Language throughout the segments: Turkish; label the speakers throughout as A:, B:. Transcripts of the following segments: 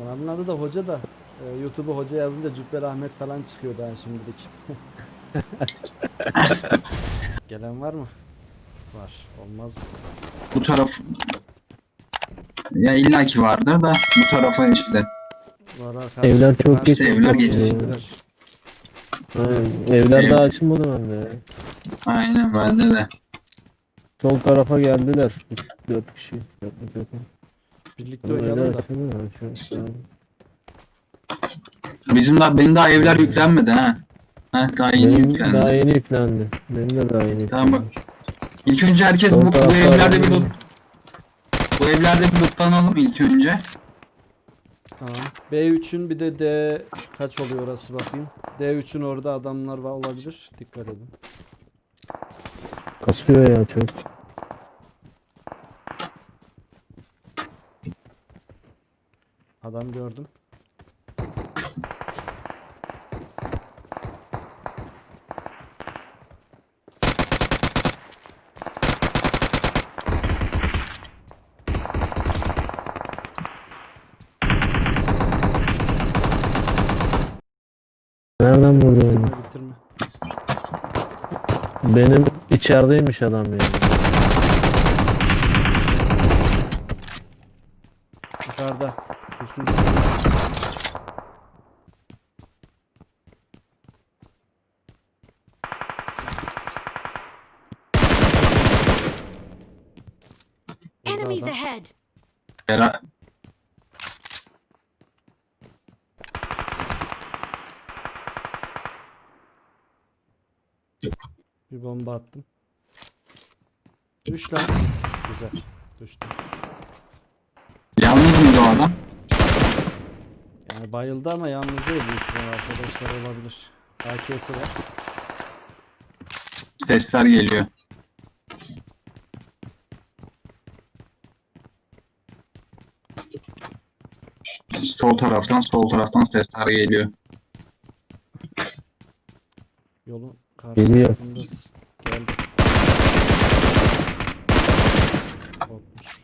A: Kanalın adı da Hoca da. YouTube'a Hoca yazınca Cübbeli Ahmet falan çıkıyor daha şimdilik. Gelen var mı? Var. Olmaz mı?
B: Bu taraf ya illaki vardır da bu tarafa işte.
A: Var
C: Evler çok geç
B: Evler geç.
A: Evler.
C: Aynen. Evler
B: Ev,
C: daha açılmadı bende.
B: aynen bende de.
C: Sol tarafa geldiler. 4 kişi. 4 yakın.
A: Birlikte
C: Ama evler
A: oynayalım da.
C: açılmadı mı? Şu an.
B: Benim daha evler yüklenmedi ha. Ha daha yeni
C: Benim daha
B: yüklendi.
C: yeni yüklendi. Benim de daha yeni
B: Tamam bak.
C: yüklendi.
B: İlk önce herkes
C: Sol
B: bu
C: tarafta
B: evlerde bir
C: arabayı-
B: bu evlerde bir lootlanalım ilk önce.
A: Tamam. B3'ün bir de D kaç oluyor orası bakayım. D3'ün orada adamlar var olabilir. Dikkat edin.
C: Kasıyor ya çok.
A: Adam gördüm.
C: Nereden vurdu onu?
A: Bitirme bitirme.
C: Benim içerideymiş adam yani.
A: Yukarıda. Üstün. Burada
D: Enemies
A: adam.
D: ahead!
B: Bera
A: Bir bomba attım. Düş lan. Güzel. Düştü.
B: Yalnız mıydı o adam?
A: Yani bayıldı ama yalnız değil, büyük ihtimal arkadaşlar olabilir. AK'si var.
B: Sesler geliyor. Sol taraftan sesler geliyor.
A: Yolun karşı
C: Geliyor.
A: tarafındasın. Geldi. Korkmuş.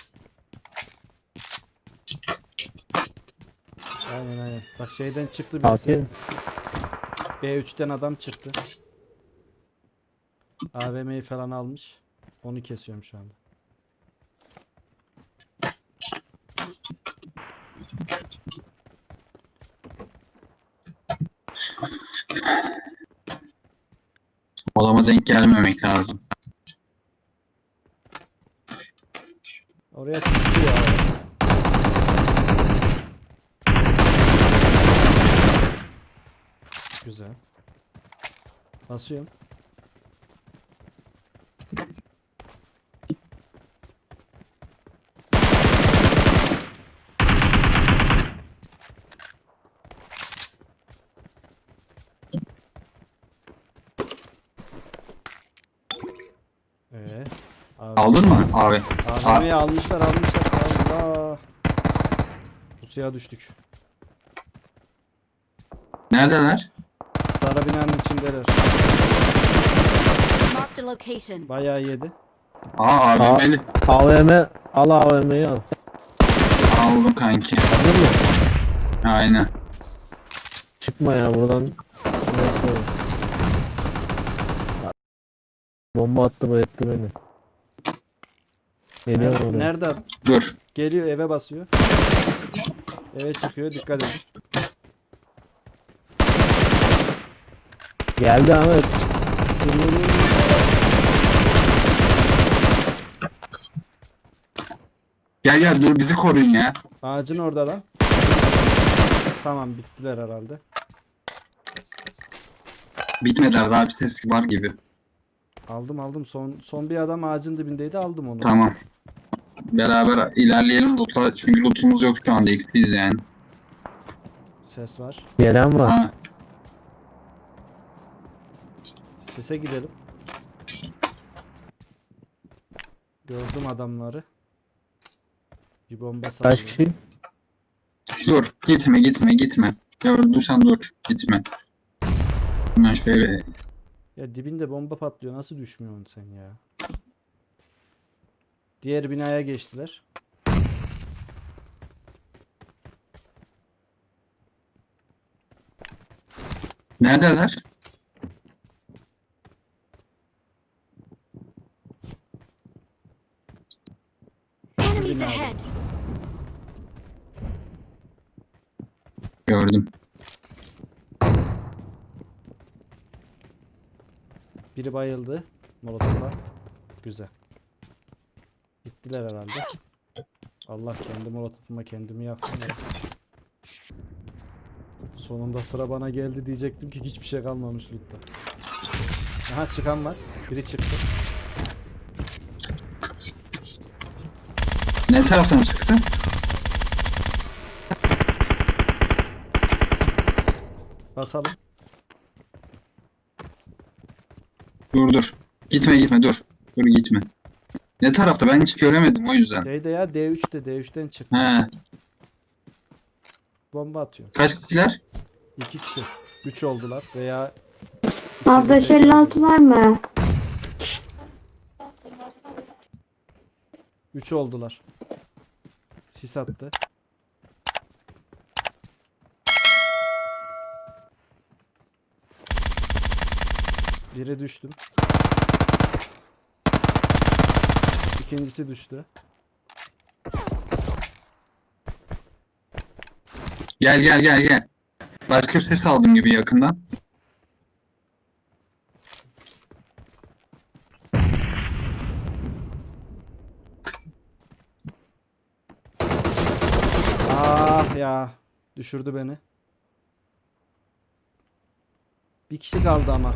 A: Aynen. Bak şeyden çıktı birisi.
C: AK.
A: B3'ten adam çıktı. AVM'yi falan almış. Onu kesiyorum şu anda.
B: Olama denk gelmemek lazım.
A: Oraya kustu ya. Güzel. Basıyorum. Abi.
B: Aldın mı abi?
A: AVM'yi almışlar. Allah. Pusuya düştük.
B: Neredeler?
A: Sarı binanın içindeler.
D: Marked a location.
A: Bayağı yedi.
B: Abi
C: A-
B: beni
C: AVM al AVM'yi al.
B: aldım kanki.
C: Aldın mı?
B: Aynen.
C: Çıkma ya buradan. Bomba attı bayılttı beni. Geliyor
A: Nerede?
C: oraya.
A: Nerede?
B: Dur.
A: Geliyor, eve basıyor. Eve çıkıyor, dikkat edin.
C: Geldi Ahmet.
B: Gel dur bizi koruyun ya.
A: Ağacın orada lan. Tamam, bittiler herhalde.
B: Bitmediler daha bir ses var gibi.
A: Aldım. Son bir adam ağacın dibindeydi, aldım onu.
B: Tamam. Beraber ilerleyelim loot'a. Çünkü lootumuz yok şu anda eksiyiz yani.
A: Ses var.
C: Gelen var.
B: Ha,
A: Sese gidelim. Gördüm adamları. Bir bomba
C: Kaç
A: sallıyorum.
C: kişi?
B: dur. Gitme. Gördüysen dur. Gitme. Hemen şöyle.
A: Ya dibinde bomba patlıyor. Nasıl düşmüyorsun sen ya? Diğer binaya geçtiler.
B: Neredeler?
D: Enemies ahead!
B: Gördüm.
A: Biri bayıldı. Molotof'a. Güzel. Gittiler herhalde. Allah, kendi molotofuma kendimi yaktım ya. Sonunda sıra bana geldi diyecektim ki hiçbir şey kalmamış lootta. Aha, çıkan var. Biri çıktı.
B: Ne taraftan çıktı?
A: Basalım.
B: Dur. Gitme dur. Dur gitme. Ne tarafta? Ben hiç göremedim o yüzden.
A: Şeyde ya, D3'te, D3'ten çıktı.
B: He.
A: Bomba atıyor.
B: Kaç kişiler?
A: 2 kişi. 3 oldular veya
E: Abi 556 var mı?
A: 3 oldular. Sis attı. Biri düştüm. İkincisi düştü.
B: Gel. Başka bir ses aldım gibi yakından.
A: Ah ya. Düşürdü beni. Bir kişi kaldı ama.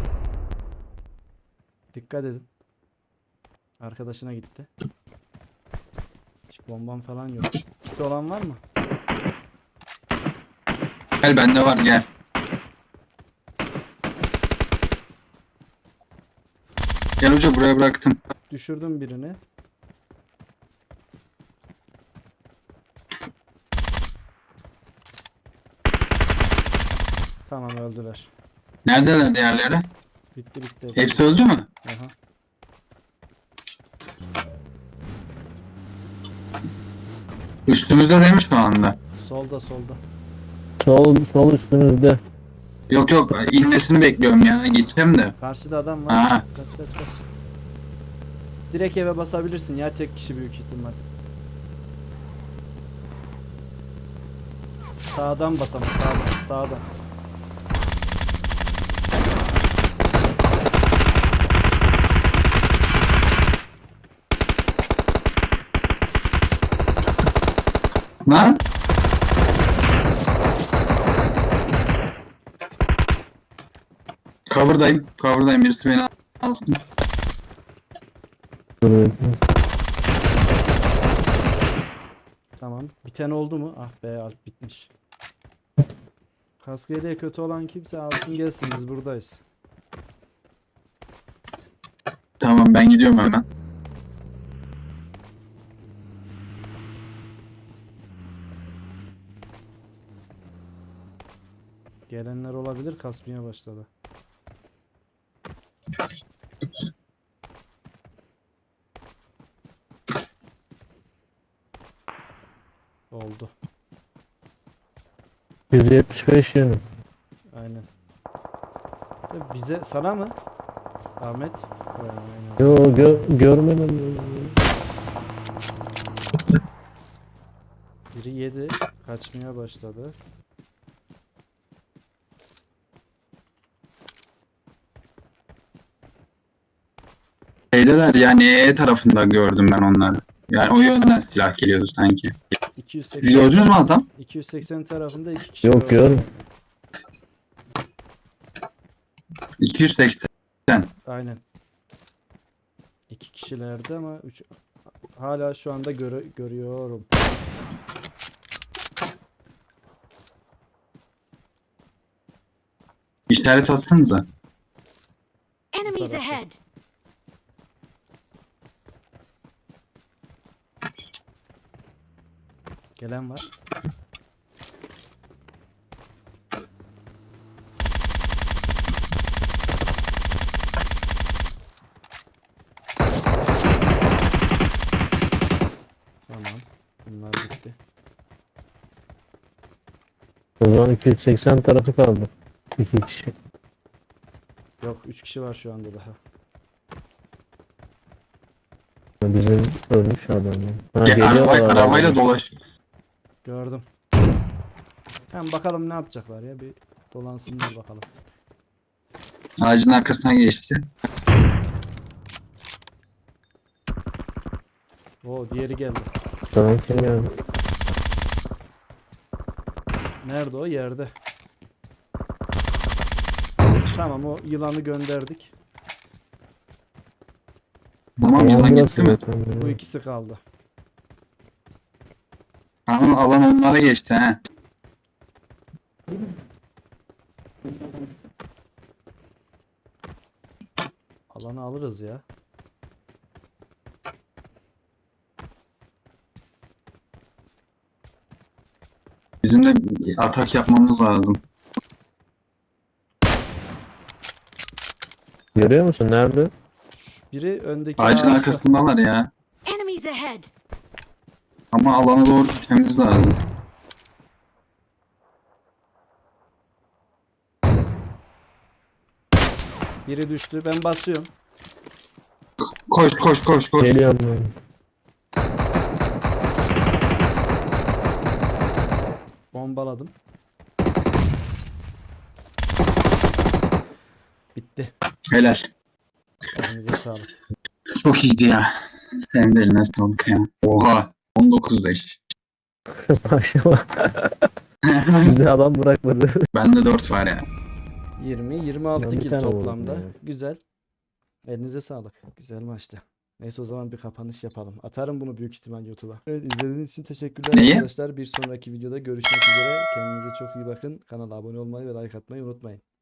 A: Dikkat edin. Arkadaşına gitti. Hiç bombam falan yok. Kit olan var mı?
B: Gel bende var gel. Gel hoca buraya bıraktım.
A: Düşürdüm birini. Tamam, öldüler.
B: Neredeler diğerleri?
A: Bitti.
B: Hepsi öldü mü?
A: Aha.
B: Üstümüzde değil mi şu anda?
A: Solda.
C: Sol üstünüzde.
B: Yok inmesini bekliyorum ya. Gideceğim de.
A: Karşıda adam var.
B: Aha.
A: Kaç. Direkt eve basabilirsin ya, tek kişi büyük ihtimal. Sağdan bas ama, sağdan.
B: Lan? Cover'dayım. Birisi beni alsın.
A: Tamam. Biten oldu mu? Ah be, Alp bitmiş. Kaskı yeleği kötü olan kimse alsın gelsin, biz buradayız.
B: Tamam ben gidiyorum hemen.
A: Gelenler olabilir, kasmaya başladı. Oldu.
C: 175 yönü.
A: Aynen. Bize, sana mı? Ahmet? Aynen.
C: Yo görmedim.
A: Biri yedi. Kaçmaya başladı.
B: Şeydeler yani E tarafında gördüm ben onları. Yani o yönden silah geliyordu sanki. Siz
A: 280
B: gördünüz mü adam?
A: 280 tarafında 2 kişi
C: Yok
A: var.
C: gör.
B: 280.
A: Aynen. 2 kişilerdi ama 3 hala şu anda görüyorum.
B: İşaret atsanıza.
D: Enemies
A: Tarafı.
D: ahead!
A: Gelen var. Tamam. Bunlar bitti.
C: O zaman 280 tarafı kaldı. 2 kişi.
A: Yok 3 kişi var şu anda daha.
C: Bizim ölmüş adam. Ha,
B: Ya,
C: geliyorlar
B: arabayla
C: adam.
B: dolaş.
A: Gördüm. Hem bakalım ne yapacaklar ya, bir dolansınlar bakalım.
B: Ağacın arkasına geçti.
A: Oo, diğeri geldi.
C: Tamam kim geldi?
A: Nerede o? Yerde. Tamam, o yılanı gönderdik.
B: Tamam yılan
C: burası
B: gitti mi?
C: zaten.
A: Bu ikisi kaldı.
B: Tamam alan onlara geçti he.
A: Alanı alırız ya.
B: Bizim de bir atak yapmamız lazım.
C: Görüyor musun? Nerede?
A: Biri öndeki
B: Ağacın
A: ağaçta.
B: arkasındalar ya.
D: Enemies ahead!
B: Ama alana doğru gitmemiz lazım.
A: Biri düştü. Ben basıyorum.
B: Koş koş koş koş.
C: Geliyorum ben.
A: Bombaladım. Bitti.
B: Helal.
A: Elinize sağlık.
B: Çok iyiydi ya. Senin de eline sağlık ya. Oha. 19 leş.
C: Maşallah. Bize adam bırakmadı.
B: Bende 4 var ya.
A: 20, 26
C: Ben bir
A: kill
C: tane vurdum
A: toplamda.
C: ya.
A: Güzel. Elinize sağlık. Güzel maçtı. Neyse, o zaman bir kapanış yapalım. Atarım bunu büyük ihtimal YouTube'a. Evet, izlediğiniz için teşekkürler
B: Neyi?
A: arkadaşlar. Bir sonraki videoda görüşmek üzere. Kendinize çok iyi bakın. Kanala abone olmayı ve like atmayı unutmayın.